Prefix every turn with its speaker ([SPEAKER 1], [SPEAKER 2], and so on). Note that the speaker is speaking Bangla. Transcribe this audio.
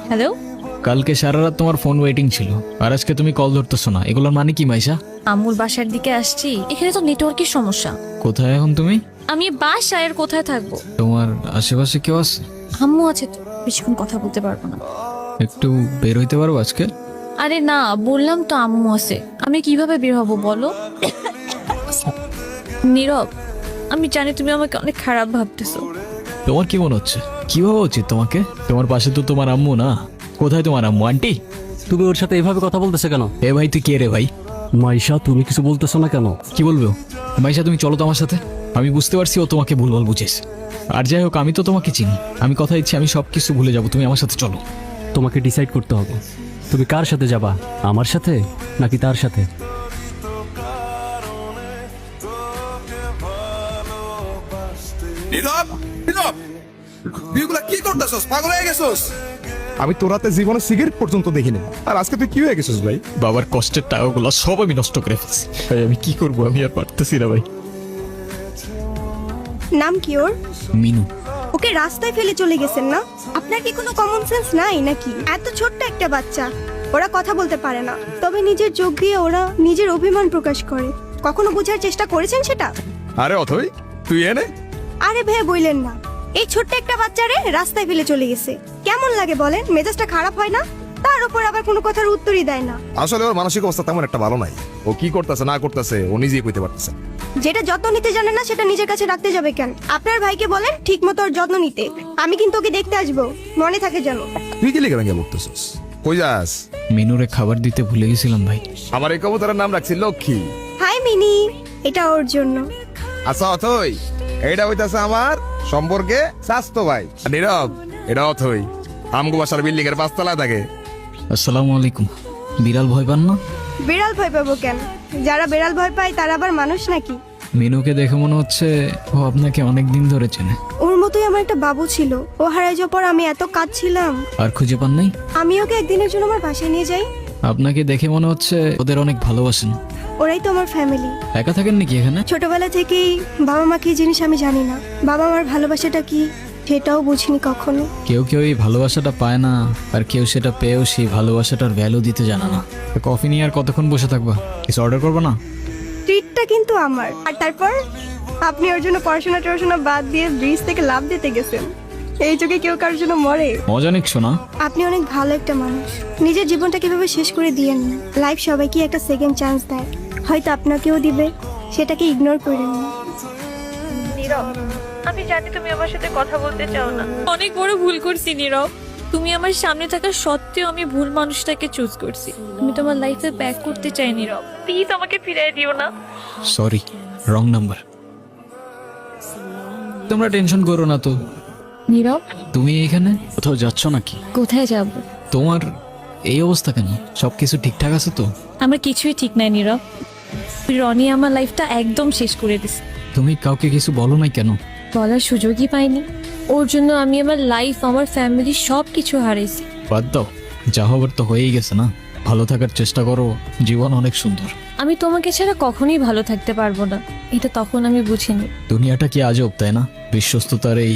[SPEAKER 1] হ্যালো,
[SPEAKER 2] কালকে সারা রাত তোমার ফোন ওয়েটিং ছিল আর আজকে তুমি কল ধরতেছো না, এগুলোর মানে কি মাইশা?
[SPEAKER 1] আম্মুর বাসার দিকে আসছি, এখানে তো নেটওয়ার্কের সমস্যা।
[SPEAKER 2] কোথায় এখন তুমি?
[SPEAKER 1] আমি বাসায় আর কোথায় থাকবো?
[SPEAKER 2] তোমার আশেপাশে কেউ আছে?
[SPEAKER 1] আম্মু আছে তো, বেশিক্ষণ কথা বলতে পারবো না।
[SPEAKER 2] একটু বের হইতে পারবো আজকে?
[SPEAKER 1] আরে না, বললাম তো আম্মু আছে, আমি কিভাবে বের হবো বলো? নীরব, আমি জানি তুমি আমাকে অনেক খারাপ ভাবতেছো।
[SPEAKER 2] তোমার কি মনে হচ্ছে? কি ভাবা উচিত তোমাকে? তোমার পাশে তো তোমার আম্মু না। কোথায় তোমার আম্মু? আন্টি?
[SPEAKER 3] তুমি ওর সাথে এভাবে কথা বলতেছো কেন?
[SPEAKER 2] এ ভাই, তুই কে রে ভাই?
[SPEAKER 3] মাইশা, তুমি কিছু বলতেছো না কেন?
[SPEAKER 2] কি বলবো? মাইশা, তুমি চলো তো আমার সাথে। আমি বুঝতে পারছি ও তোমাকে ভুলভাল বুঝেছ। আর যাই হোক, আমি তো তোমাকে চিনি। আমি কথা দিচ্ছি আমি সবকিছু ভুলে যাবো, তুমি আমার সাথে চলো।
[SPEAKER 3] তোমাকে ডিসাইড করতে হবে তুমি কার সাথে যাবা, আমার সাথে নাকি তার সাথে।
[SPEAKER 4] নীরব, নীরব, তুইগুলা কি করতেছস? পাগল হয়ে গেছস?
[SPEAKER 5] আমি তোর হাতে জীবনে সিগারেট পর্যন্ত দেখিনি, আর আজকে তুই কি হয়ে গেছিস ভাই?
[SPEAKER 2] বাবার কষ্টের টাকাগুলো সব আমি নষ্ট করে ফেলছি ভাই। আমি কি করবো? আমি আর পারতেছি না ভাই।
[SPEAKER 6] নাম কি ওর?
[SPEAKER 2] মিনু।
[SPEAKER 6] ওকে রাস্তায় ফেলে চলে গেছেন না? আপনার কি কোনো কমন সেন্স নাই নাকি? এত ছোট্ট একটা বাচ্চা, ওরা কথা বলতে পারে না, তবে নিজের চোখ দিয়ে ওরা নিজের অভিমান প্রকাশ করে। কখনো বোঝার চেষ্টা করেছেন সেটা?
[SPEAKER 5] আরে অথই, তুই এনে
[SPEAKER 6] আরে ভাই বললেন না, এই ছোট্ট একটা বাচ্চারে রাস্তায় ফেলে চলে গেছে। কেমন লাগে বলেন? মেজাজটা খারাপ হয় না? তার উপর আবার কোনো কথার উত্তরই দেয় না।
[SPEAKER 5] আসলে ওর মানসিক অবস্থা তেমন একটা ভালো নাই। ও কি করতেছে না করতেছে ও নিজেই কইতে পারতেছে না।
[SPEAKER 6] যেটা যত্ন নিতে জানে না সেটা নিজের কাছে রাখতে যাবে কেন? আপনার ভাইকে বলেন ঠিক মতো ওর যত্ন নিতে। আমি কিন্তু ওকে দেখতে আসবো, মনে থাকে যেন।
[SPEAKER 5] তুই কি লিখে ভেঙে বলতেছিস? কই যাস?
[SPEAKER 2] মিনুরে খাবার দিতে ভুলে গেছিলাম ভাই।
[SPEAKER 5] আমার এই কবুতরের নাম রাখছি লক্ষ্মী।
[SPEAKER 6] হাই মিনি, এটা ওর জন্য।
[SPEAKER 5] আচ্ছা অথই, এইটা হইতাছে আমার সম্পর্কে স্বাস্থ্য ভাই। আর নীরব, এটা অথই আমগো বাসার বিল্ডিং এর 5 তলায় থাকে।
[SPEAKER 2] আসসালামু আলাইকুম। বিড়াল ভয় পান না?
[SPEAKER 6] বিড়াল ভয় পাবো কেন? যারা বিড়াল ভয় পায় তারা আবার মানুষ নাকি?
[SPEAKER 2] মিনুকে দেখে মনে হচ্ছে ও আপনাকে অনেক দিন ধরে চেনে।
[SPEAKER 6] ওর মতোই আমার একটা বাবু ছিল, ও হারাই যাওয়ার পর আমি এত কাঁদছিলাম।
[SPEAKER 2] আর খুঁজে পান নাই?
[SPEAKER 6] আমি ওকে একদিনের জন্য আমার বাসায় নিয়ে যাই।
[SPEAKER 2] আপনাকে দেখে মনে হচ্ছে ওদের অনেক ভালোবাসেন।
[SPEAKER 6] ওরাই তো আমার ফ্যামিলি।
[SPEAKER 2] একা থাকেন নাকি এখানে?
[SPEAKER 6] ছোটবেলা থেকেই বাবা মা কি জিনিস আমি জানি না, বাবা মার ভালোবাসাটা কি সেটাও বুঝিনি কখনো।
[SPEAKER 2] কেউ কেউ এই ভালোবাসাটা পায় না, আর কেউ সেটা পেয়েও সেই ভালোবাসাটার ভ্যালু দিতে জানে না। তো কফি নিয়ে আর কতক্ষণ বসে থাকবা? কিছু অর্ডার করবো না?
[SPEAKER 6] ট্রিটটা কিন্তু আমার। আর তারপর আপনি ওর জন্য পড়াশোনা টড়াশোনা বাদ দিয়ে ব্রিজ থেকে লাফ দিতে গেছেন। এই যুগে কেউ কারোর জন্য মরে?
[SPEAKER 2] মজা নিচ্ছ না?
[SPEAKER 6] আপনি অনেক ভালো একটা মানুষ। নিজের জীবনটা কিভাবে শেষ করে দিয়েন না। লাইফ সবাইকে একটা সেকেন্ড চান্স দেয়, হয়তো আপনাকেও দিবে, সেটাকে ইগনোর করেন না।
[SPEAKER 1] আমি জানি তুমি আমার সাথে কথা বলতে চাও না। অনেক বড় ভুল করছি নীরব। তুমি আমার সামনে থাকা সত্ত্বেও আমি ভুল মানুষটাকে চুজ করছি। আমি তোমার লাইফে ব্যাক করতে চাই নীরব, প্লিজ আমাকে ফিরিয়ে দিও না।
[SPEAKER 2] Sorry, wrong number. তোমরা টেনশন করো না তো।
[SPEAKER 1] নীরব,
[SPEAKER 2] তুমি এখানে কোথাও যাচ্ছ নাকি?
[SPEAKER 1] কোথায় যাব?
[SPEAKER 2] তোমার এই অবস্থা কেন? সবকিছু ঠিকঠাক আছে তো?
[SPEAKER 1] আমার কিছুই ঠিক নাই নীরব। রনি আমার লাইফটা একদম শেষ করে দিছে।
[SPEAKER 2] তুমি কাউকে কিছু বলো নাই কেন?
[SPEAKER 1] বলার সুযোগই পাইনি। ওর জন্য আমি আমার লাইফ, আমার ফ্যামিলি সব কিছু হারাইছি।
[SPEAKER 2] বাদ দাও, যা হবার তো হয়েই গেছে না। ভালো থাকার চেষ্টা করো, জীবন অনেক সুন্দর।
[SPEAKER 1] আমি তোমাকে ছাড়া কখনোই ভালো থাকতে পারবো না, এটা তখন আমি বুঝিনি।
[SPEAKER 2] দুনিয়াটা কি আজব, তাই না? বিশ্বস্ততার এই